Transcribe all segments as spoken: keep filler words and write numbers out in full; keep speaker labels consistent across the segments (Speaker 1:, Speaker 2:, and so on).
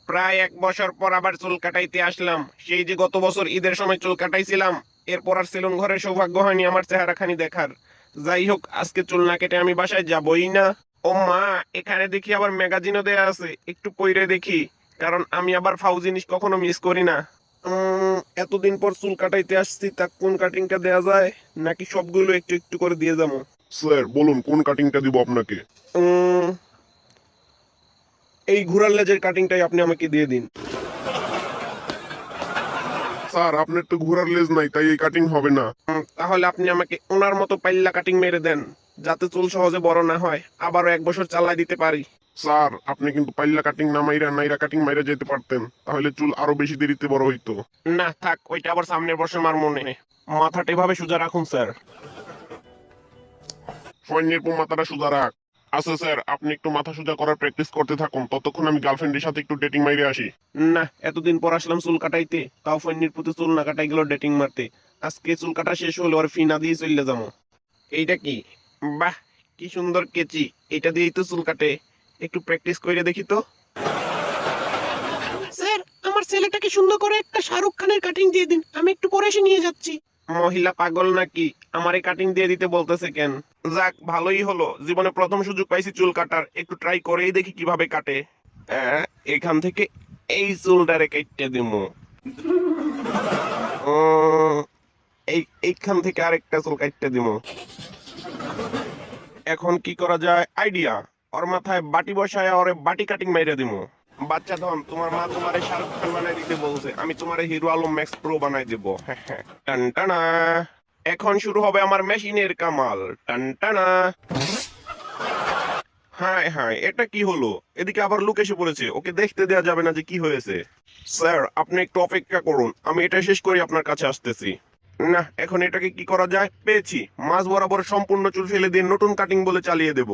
Speaker 1: প্রায় এক বছর পর আবার চুল কাটাইতে আসলাম। সেই যে গত বছর ঈদের সময় চুল কাটাইছিলাম, এরপর আর সেলুন ঘরের সৌভাগ্য হয়নি আমার চেহারাখানি দেখার। যাই হোক, আজকে চুল না কেটে আমি বাসায় যাবই না। ও মা, এখানে দেখি আবার ম্যাগাজিনও দেয়া আছে, একটু পইরে দেখি, কারণ আমি আবার ফাউ জিনিস কখনো মিস করি না। উম, এতদিন পর চুল কাটাইতে আসছি, তা কোন কাটিংটা দেয়া যায়, নাকি সবগুলো একটু একটু করে দিয়ে যাবো?
Speaker 2: স্যার বলুন কোন কাটিংটা দিব আপনাকে?
Speaker 1: উম, এই ঘোড়ার লেজের কাটিংটাই আপনি আমাকে দিয়ে দিন।
Speaker 2: স্যার আপনার তো ঘোড়ার লেজ নাই, তাই এই কাটিং হবে না।
Speaker 1: উম, তাহলে আপনি আমাকে ওনার মতো পাল্লা কাটিং মেরে দেন, যাতে চুল সহজে বড় না হয়, আবারও এক বছর চালাই দিতে পারি।
Speaker 2: স্যার আপনি কিন্তু পাল্লা কাটিং না মাইরা নাইরা কাটিং মাইরা যেতে পারতেন, তাহলে চুল আরো বেশি দেরিতে বড় হইতো।
Speaker 1: না থাক, ওইটা আবার সামনের বছর আমার মনে। মাথাটা এভাবে সোজা রাখুন স্যার।
Speaker 2: সৈন্যের পর মাথাটা সোজা রাখ। আচ্ছা স্যার, আপনি একটু মাথা সোজা করার প্র্যাকটিস করতে থাকুন, ততক্ষণ আমি গার্লফ্রেন্ডের সাথে একটু ডেটিং মাইরে আসি।
Speaker 1: না, এতদিন পর আসলাম চুল কাটাইতে, তাও ফন্নির প্রতি চুল না কাটাই গেল ডেটিং মারতে। আজকে চুল কাটা শেষ হলে ওর ফি না দিয়ে চলে যাবো। এইটা কি? বাহ, কি সুন্দর কেচি! এটা দিয়েই তো চুল কাটে। একটু প্র্যাকটিস করে দেখি তো। স্যার, আমার ছেলেটাকে সুন্দর করে একটা শাহরুখ খানের কাটিং দিয়ে দিন, আমি একটু পরে এসে নিয়ে যাচ্ছি। মহিলা পাগল নাকি, আমার এই কাটিং দিয়ে দিতে বলতেছে কেন? যাক, ভালোই হলো, জীবনে প্রথম সুযোগ পাইছি চুল কাটার, একটু ট্রাই করেই দেখি কিভাবে কাটে। আহ, এখান থেকে এই চুলটারে কেটে দিমু। উম, এই এইখান থেকে আরেকটা চুল কাটতে দিমু। এখন কি করা যায়, আইডিয়া! ওর মাথায় বাটি বসায় ওরে বাটি কাটিং মাইরা দিমু। বাচ্চা ধন, তোমার মা তোমারে শাহরুখ খান বানাই দিতে বলছে, আমি তোমারে হিরো আলম ম্যাক্স প্রো বানাই দেবো। হ্যাঁ হ্যাঁ, টান টানা। এখন শুরু হবে আমার মেশিনের কামাল। টান টানা। হায় হায়, এটা কি হলো? এদিকে আবার লোক এসে পড়েছে, ওকে দেখতে দেয়া যাবে না যে কি হয়েছে। স্যার, আপনি একটু অপেক্ষা করুন, আমি এটা শেষ করে আপনার কাছে আসতেছি। না, এখন এটাকে কি করা যায়, পেয়েছি! মাঝ বরাবর সম্পূর্ণ চুল ফেলে দিয়ে নতুন কাটিং বলে চালিয়ে দেব।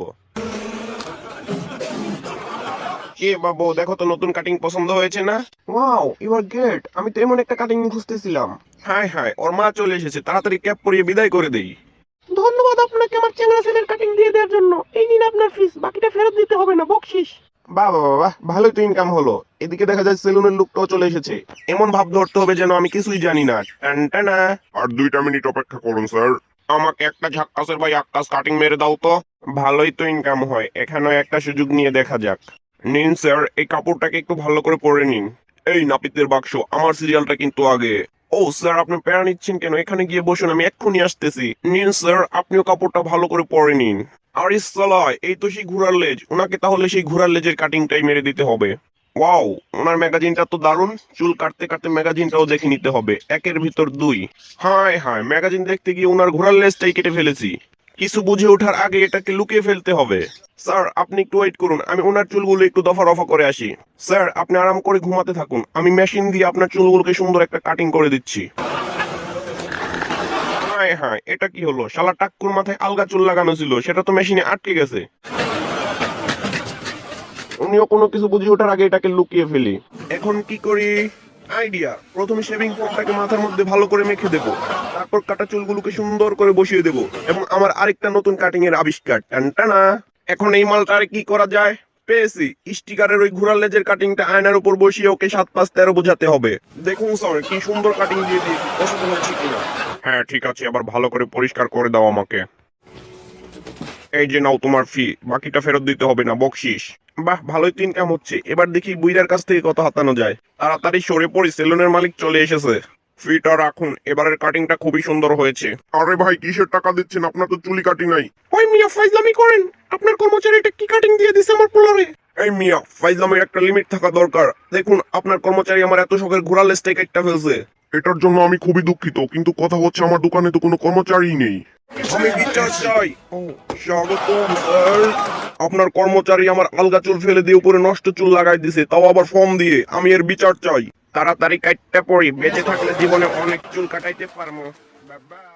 Speaker 1: কে বাবু, দেখো তো নতুন কাটিং পছন্দ হয়েছে না? Wow, you are great! আমি তো এমন একটা কাটিং খুঁজতেছিলাম। হায় হায়, ওর মা চলে এসেছে, তাড়াতাড়ি ক্যাপ পরিয়ে বিদায় করে দেই। ধন্যবাদ আপনাকে আমার চ্যাংড়া ছেলের কাটিং দিয়ে দেওয়ার জন্য। এই নিন আপনার ফিস, বাকিটা ফেরত দিতে হবে না, বকশিস। বাহ বাহ বাহ, ভালোই তো ইনকাম হলো। এদিকে দেখা যায় সেলুনের লোকটাও চলে এসেছে। এমন ভাব ধরতে হবে যেন আমি কিছুই জানি না। টান টানা।
Speaker 2: আর দুইটা মিনিট অপেক্ষা করুন স্যার।
Speaker 1: আমাকে একটা ঝাক্কাসের ভাই আক্কাস কাটিং মেরে দাও তো। ভালোই তো ইনকাম হয়, এখানেও একটা সুযোগ নিয়ে দেখা যাক। নিন স্যার, এই কাপড়টাকে একটু ভালো করে পরে নিন। এই নাপিতের বাক্স, আমার সিরিয়ালটা কিন্তু আগে। ও স্যার, আপনি প্যারা নিচ্ছেন কেন? এখানে গিয়ে বসুন, আমি এক্ষুনি আসতেছি। নিন স্যার, আপনিও কাপড়টা ভালো করে পরে নিন। আরে সালায়, এই তো সেই ঘোড়ার লেজ, ওনাকে তাহলে সেই ঘোড়ার লেজের কাটিংটাই মেরে দিতে হবে। ওয়াও, ওনার ম্যাগাজিনটা তো দারুণ, চুল কাটতে কাটতে ম্যাগাজিনটাও দেখে নিতে হবে, একের ভিতর দুই। হায় হায়, ম্যাগাজিন দেখতে গিয়ে ওনার ঘোড়ার লেজটাই কেটে ফেলেছি। কিছু বুঝে ওঠার আগে এটাকে লুকিয়ে ফেলতে হবে। স্যার, আপনি একটু ওয়েট করুন, আমি ওনার চুলগুলো একটু দফা রফা করে আসি। স্যার, আপনি আরাম করে ঘুমাতে থাকুন, আমি মেশিন দিয়ে আপনার চুলগুলোকে সুন্দর একটা কাটিং করে দিচ্ছি। হায় হায়, এটা কি হলো? শালা টাক্কুর মাথায় আলগা চুল লাগানো ছিল, সেটা তো মেশিনে আটকে গেছে। উনিও কোনো কিছু বুঝে ওঠার আগে এটাকে লুকিয়ে ফেলি। এখন কি করি? আইডিয়া! প্রথমে শেভিং ফোমটাকে মাথার মধ্যে ভালো করে মেখে দেবো, তারপর কাটা চুলগুলোকে সুন্দর করে বসিয়ে দেবো, এবং আমার আরেকটা নতুন কাটিং এর আবিষ্কার। টানটানা। এখন এই মালটারে কি করা যায়? পেয়েছি! স্টিকারের ওই ঘোড়ার লেজের কাটিংটা আয়নার উপর বসিয়ে ওকে সাত পাঁচ তেরো বোঝাতে হবে। দেখুন স্যার, কি সুন্দর কাটিং দিয়ে দিয়েছি, পছন্দ হয়েছে কিনা? হ্যাঁ ঠিক আছে, আবার ভালো করে পরিষ্কার করে দাও আমাকে। এই যে নাও তোমার ফি, বাকিটা ফেরত দিতে হবে না, বকশিস। বাহ, ভালোই তো ইনকাম হচ্ছে, এবার দেখি বুইরার কাছ থেকে কত হাতানো যায়। তাড়াতাড়ি সরে পড়ি, সেলুনের মালিক চলে এসেছে। ফিটা রাখুন, এবারের কাটিংটা খুবই সুন্দর হয়েছে।
Speaker 2: আরে ভাই, কিসের টাকা দিচ্ছেন? আপনার তো চুলি কাটি নাই।
Speaker 1: ওই মিয়া, ফাইজলামি করেন? আপনার কর্মচারীটা কি কাটিং দিয়ে দিছে আমার পোলারে? এই মিয়া, ফাইজলামির একটা লিমিট থাকা দরকার। দেখুন, আপনার কর্মচারী আমার এত শখের ঘোড়ার লেজটাই একটা ফেলছে।
Speaker 2: এটার জন্য আমি খুবই দুঃখিত, কিন্তু কথা হচ্ছে আমার দোকানে তো কোনো কর্মচারী নেই।
Speaker 1: আমি বিচার চাই। ও, স্বাগতম স্যার। আপনার কর্মচারী আমার আলগা চুল ফেলে দিয়ে উপরে নষ্ট চুল লাগাই দিছে, তাও আবার ফর্ম দিয়ে। আমি এর বিচার চাই। তাড়াতাড়ি কাটতে পড়ি, বেঁচে থাকলে জীবনে অনেক চুল কাটাইতে পারবো। বাবা।